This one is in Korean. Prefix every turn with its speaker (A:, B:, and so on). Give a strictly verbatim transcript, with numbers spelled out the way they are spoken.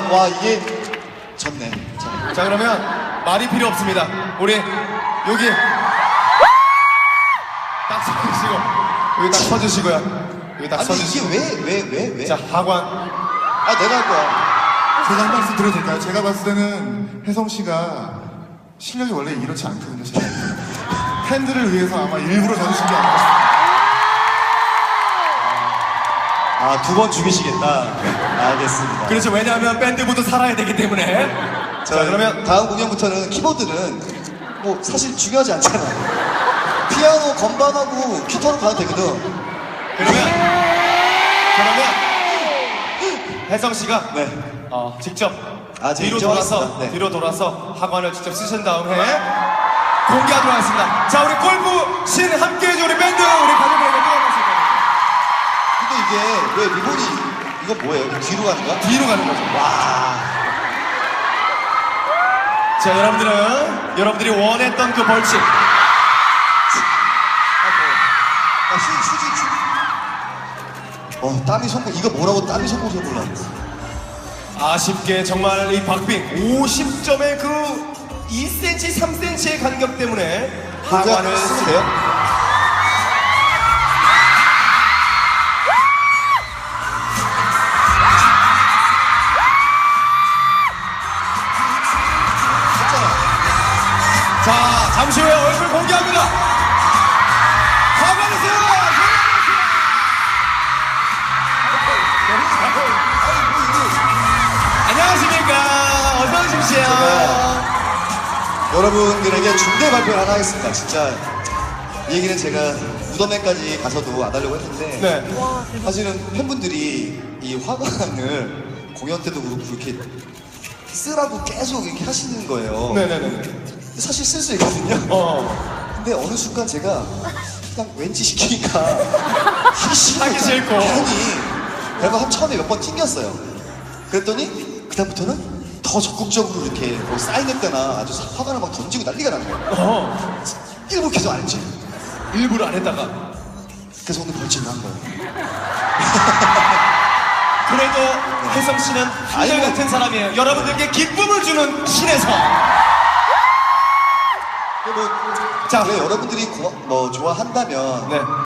A: 와 이게 졌네. 자,
B: 자 그러면 말이 필요 없습니다. 우리 여기 딱 서주시고 여기 딱 서주시고요. 여기 딱
A: 아니
B: 서주시고.
A: 이게 왜 왜 왜 왜?
B: 자 하관.
A: 아 내가 할 거야.
C: 제가 한 말씀 드려도 될까요? 제가 봤을 때는 혜성 씨가 실력이 원래 이렇지 않거든요. 제가. 팬들을 위해서 아마 일부러 져주신 게 아닌가 싶습니다.
A: 아 두 번 죽이시겠다. 알겠습니다.
B: 그렇죠. 왜냐하면 밴드부터 살아야 되기 때문에.
A: 자,
B: 자 그러면
A: 다음 공연부터는 키보드는 뭐 사실 중요하지 않잖아. 피아노, 건반하고 기타로 가도 되거든.
B: 그러면 그러면 혜성 씨가
A: 네.
B: 어, 직접
A: 아, 제가
B: 뒤로
A: 인정하겠습니다.
B: 돌아서
A: 네.
B: 뒤로 돌아서 학원을 직접 쓰신 다음에 공개하도록 하겠습니다. 자 우리 골프 신 함께해줘 우리 밴드 우리 가족에게 뛰어났습니다.
A: 근데 이게 왜 리본이 이거 뭐예요? 뒤로 가는 거야?
B: 뒤로 가는 거죠.
A: 와.
B: 자 여러분들은 여러분들이 원했던 그 벌칙.
A: 아, 휴, 휴지, 휴지. 어, 땀이 손목, 이거 뭐라고 땀이 손목에 몰라.
B: 아쉽게 정말 이 박빙 오십 점의 그 이 센티미터, 삼 센티미터의 간격 때문에 하관을
A: 쓰면 돼요?
B: 자 잠시 후에 얼굴 공개합니다. 하관이세요. 안녕하십니까. 어서 오십시오.
A: 여러분들에게 중대 발표를 하나 하겠습니다. 진짜 이 얘기는 제가 무덤에까지 가서도 안 하려고 했는데
B: 네.
A: 사실은 팬분들이 이 화관을 공연 때도 그렇고 이렇게 쓰라고 계속 이렇게 하시는 거예요.
B: 네네네.
A: 사실 쓸 수 있거든요.
B: 어.
A: 근데 어느 순간 제가 그냥 왠지 시키니까 하기 싫고
B: 하기 싫고.
A: 괜히 내가 한 처음에 몇 번 튕겼어요. 그랬더니 그다음부터는 더 적극적으로 이렇게 뭐 사인회 때나 아주 화관을 막 던지고 난리가 난 거예요.
B: 어.
A: 일부러 계속 안 했지.
B: 일부러 안 했다가.
A: 그래서 오늘 벌칙을 한 거예요.
B: 그래도 혜성 씨는 한결
A: 아이고.
B: 같은 사람이에요. 여러분들께 기쁨을 주는 신에서.
A: 근데 뭐,
B: 자.
A: 왜 여러분들이 고, 뭐 좋아한다면
B: 네.